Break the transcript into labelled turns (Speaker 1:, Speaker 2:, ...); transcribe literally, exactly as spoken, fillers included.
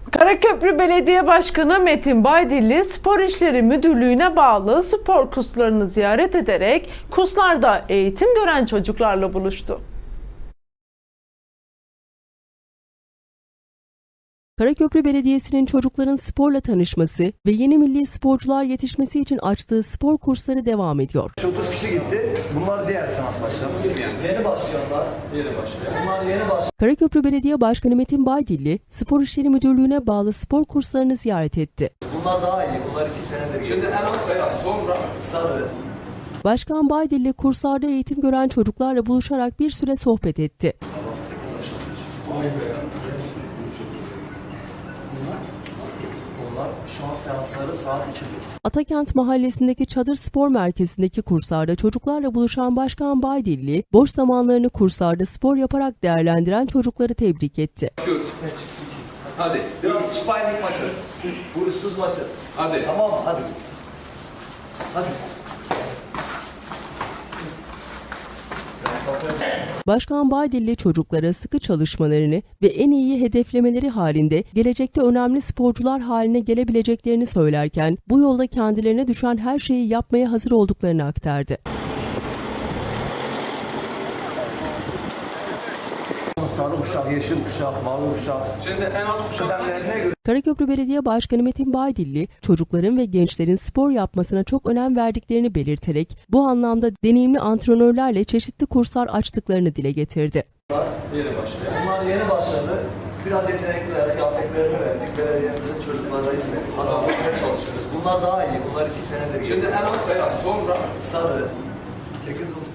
Speaker 1: Karaköprü Belediye Başkanı Metin Baydilli, Spor İşleri Müdürlüğü'ne bağlı spor kurslarını ziyaret ederek kurslarda eğitim gören çocuklarla buluştu.
Speaker 2: Karaköprü Belediyesi'nin çocukların sporla tanışması ve yeni milli sporcular yetişmesi için açtığı spor kursları devam ediyor.
Speaker 3: otuz kişi gitti. Bunlar diğer seans başkanı. Yeni başlayanlar. Yeni başlayanlar. Bunlar yeni başlayanlar.
Speaker 2: Karaköprü Belediye Başkanı Metin Baydilli, Spor İşleri Müdürlüğü'ne bağlı spor kurslarını ziyaret etti.
Speaker 3: Bunlar daha iyi. Bunlar iki senedir.
Speaker 4: Şimdi en alt beyaz, sonra
Speaker 3: sarı.
Speaker 2: Başkan Baydilli kurslarda eğitim gören çocuklarla buluşarak bir süre sohbet etti.
Speaker 3: Bunlar şu an seansları saat ikide.
Speaker 2: Atakent Mahallesi'ndeki Çadır Spor Merkezi'ndeki kurslarda çocuklarla buluşan Başkan Baydilli, boş zamanlarını kurslarda spor yaparak değerlendiren çocukları tebrik etti.
Speaker 4: hadi,
Speaker 3: Biraz Spaynik maçı. Vurursuz maçı.
Speaker 4: hadi.
Speaker 3: Tamam mı? Hadi. Hadi.
Speaker 2: Başkan Baydilli çocuklara sıkı çalışmalarını ve en iyi hedeflemeleri halinde gelecekte önemli sporcular haline gelebileceklerini söylerken bu yolda kendilerine düşen her şeyi yapmaya hazır olduklarını aktardı.
Speaker 3: Sarı kuşak, yeşil kuşak, mavi kuşak.
Speaker 4: Şimdi en alt kuşaklar
Speaker 3: Kıdemlerine göre.
Speaker 2: Karaköprü Belediye Başkanı Metin Baydilli, çocukların ve gençlerin spor yapmasına çok önem verdiklerini belirterek bu anlamda deneyimli antrenörlerle çeşitli kurslar açtıklarını dile getirdi.
Speaker 4: yeni başlıyor.
Speaker 3: Bunlar yeni başladı. Biraz yetenekliler, kıyafetlerini verdik. Belediyemizin çocuklara hizmet kazanmaya çalışıyoruz. Bunlar daha iyi. Bunlar iki senedir.
Speaker 4: Şimdi en alt beyaz, sonra
Speaker 3: sarı. sekiz